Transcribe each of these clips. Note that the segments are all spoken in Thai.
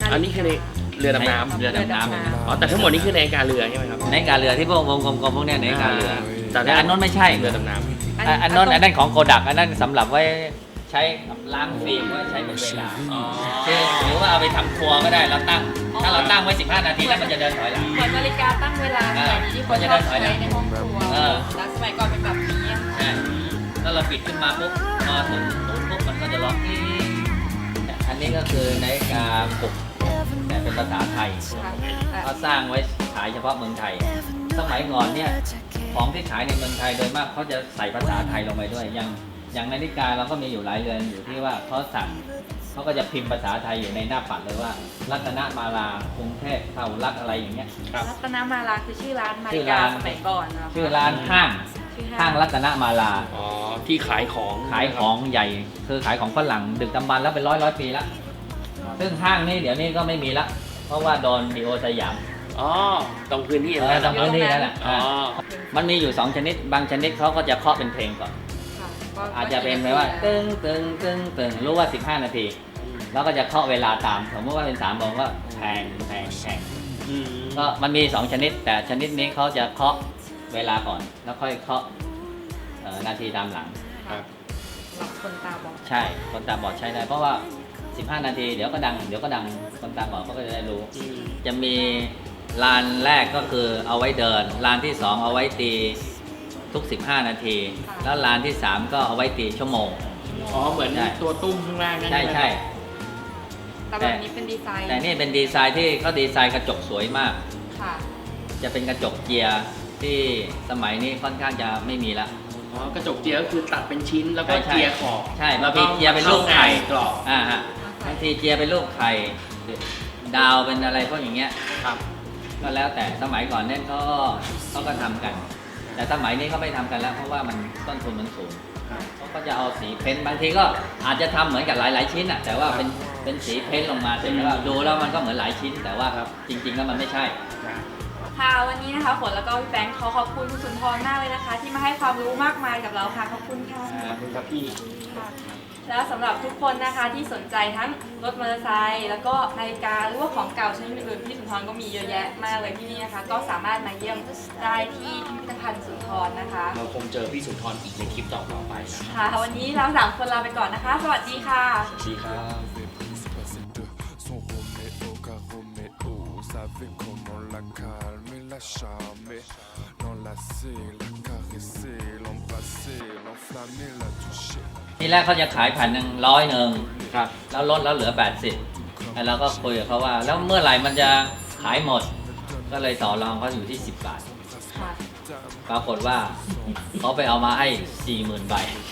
อันนี้คือในเรือดำน้ำเรือดำน้ำอ๋อแต่ทั้งหมดนี่คือในการเรือใช่ไหมครับในการเรือที่พวกวงกลมๆพวกเนี้ยในการเรือแต่แต่อันนั้นไม่ใช่เรือดำน้ำอันนั้นของโกดักอันนั้นสำหรับไว้ใช้ล้างฟิล์มไว้ใช้เป็นเวลาคือหรือว่าเอาไปทำครัวก็ได้เราตั้งถ้าเราตั้งไว้15 นาทีแล้วมันจะเดินถอยหลังเหมือนนาฬิกาตั้งเวลาสมัยนี้ที่คนชอบใช้ในห้องครัวแล้วสมัยก่อนเป็นแบบนี้ใช่ถ้าเราปิดขึ้นมาปุ๊บพอถึงปุ๊บมันก็จะล็อกอันนี้ก็คือนาฬิกาปลุกแต่เป็นภาษาไทยเขาสร้างไว้ขายเฉพาะเมืองไทยสมัยก่อนเนี่ยของที่ขายในเมืองไทยโดยมากเขาจะใส่ภาษาไทยลงไปด้วยอย่างนาฬิกาเราก็มีอยู่หลายเรือนอยู่ที่ว่าเขาสั่งเขาก็จะพิมพ์ภาษาไทยอยู่ในหน้าปัดเลยว่ารัตนมาลากรุงเทพเท่ารักอะไรอย่างเงี้ยรัตนมาลาคือชื่อร้านนาฬิกาสมัยก่อนนะชื่อร้านห้างรัตนมาลาอ๋อที่ขายของใหญ่คือขายของฝรั่งดึกดำบรรพ์แล้วเป็นร้อยปีแล้วซึ่งห้างนี้เดี๋ยวนี้ก็ไม่มีละเพราะว่าโดนดีโอสยามอ๋อตรงพื้นที่ตรงพื้นที่นั่นแหละมันมีอยู่2ชนิดบางชนิดเขาก็จะเคาะเป็นเพลงก่อนอาจจะเป็นแบบว่าตึงตึงตึงตึงรู้ว่า15 นาทีแล้วก็จะเคาะเวลาตามสมมติว่าเป็น3 โมงก็แพงก็มันมี2ชนิดแต่ชนิดนี้เขาจะเคาะเวลาก่อนแล้วค่อยเคาะนาทีตามหลังหลับคนตาบอดใช่คนตาบอดใช้ได้เพราะว่า15 นาทีเดี๋ยวก็ดังคนตาบอดเขาก็จะได้รู้จะมีลานแรกก็คือเอาไว้เดินลานที่2เอาไว้ตีทุก15 นาทีแล้วลานที่3ก็เอาไว้ตีชั่วโมงอ๋อเหมือนตัวตุ้มข้างล่างนั่นใช่แต่แบบนี้เป็นดีไซน์แต่นี่เป็นดีไซน์ที่เขาดีไซน์กระจกสวยมากจะเป็นกระจกเจียที่สมัยนี้ค่อนข้างจะไม่มีละอ๋อกระจกเจียก็คือตัดเป็นชิ้นแล้วก็เจียขอบใช่แล้วก็เจียเป็นรูปไข่กรอบบางทีเจียเป็นรูปไข่ดาวเป็นอะไรพวกอย่างเงี้ยครับก็แล้วแต่สมัยก่อนเนี่ยเขาก็ทำกันแต่สมัยนี้เขาไม่ทำกันแล้วเพราะว่ามันต้นทุนมันสูงเขาก็จะเอาสีเพ้นบางทีก็อาจจะทำเหมือนกับหลายชิ้นแต่ว่าเป็นสีเพ้นลงมาแต่ว่าดูแล้วมันก็เหมือนหลายชิ้นแต่ว่าจริงๆแล้วมันไม่ใช่ค่ะวันนี้นะคะฝนแล้วก็พี่แบงค์ขอบคุณคุณสุนทรมากเลยนะคะที่มาให้ความรู้มากมายกับเราค่ะขอบคุณค่ะขอบคุณครับพี่แล้วสำหรับทุกคนนะคะที่สนใจทั้งรถมอเตอร์ไซค์แล้วก็นาฬิกาหรือว่าของเก่าชนิดอื่นพี่สุนทรก็มีเยอะแยะมากเลยที่นี่นะคะก็สามารถมาเยี่ยมได้ที่พิพิธภัณฑ์สุนทรนะคะเราคงเจอพี่สุนทรอีกในคลิปต่อไปค่ะวันนี้เรา3 คนลาไปก่อนนะคะสวัสดีค่ะสวัสดีครับ charmer, l'enlacer, la caresser, l'embrasser, l'enflammer, la toucher. ที่แรกเขาจะขาย100ครับแล้วลดแล้วเหลือ80แล้วเราก็คุยกับเขาว่าแล้วเมื่อไหร่มันจะขายหมดก็เลยต่อรองเขาอยู่ที่10 บาทปรากฏว่าเขาไปเอามาให้ 40,000 ใบ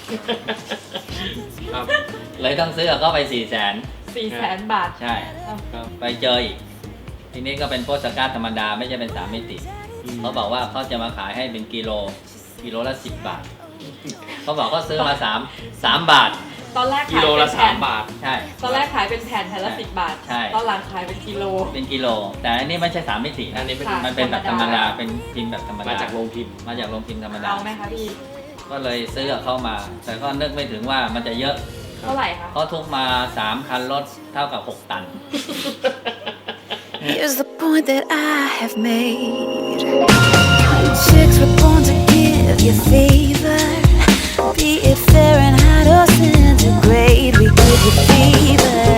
เลยต้องซื้อเขาไป 400,000 บาทใช่ไปเจออีกทีนี้ก็เป็นโปสการ์ดธรรมดาไม่ใช่เป็น3 มิติเขาบอกว่าเขาจะมาขายให้เป็นกิโลละ10 บาทเขาบอกเขาซื้อมา3 บาทตอนแรกกิโลละ3 บาทใช่ตอนแรกขายเป็นแผ่นละ10 บาทใช่ตอนหลังขายเป็นกิโลแต่อันนี้ไม่ใช่3 มิติอันนี้มันเป็นแบบธรรมดาเป็นพิมพ์แบบธรรมดามาจากโรงพิมพ์ธรรมดาเอาไหมคะพี่ก็เลยซื้อเข้ามาแต่ก็นึกไม่ถึงว่ามันจะเยอะเท่าไหร่คะเขาทุกมา3 คันรถเท่ากับ6 ตัน Here's the point that I have made. Chicks were born to give you fever. Be it Fahrenheit or centigrade, we give you fever.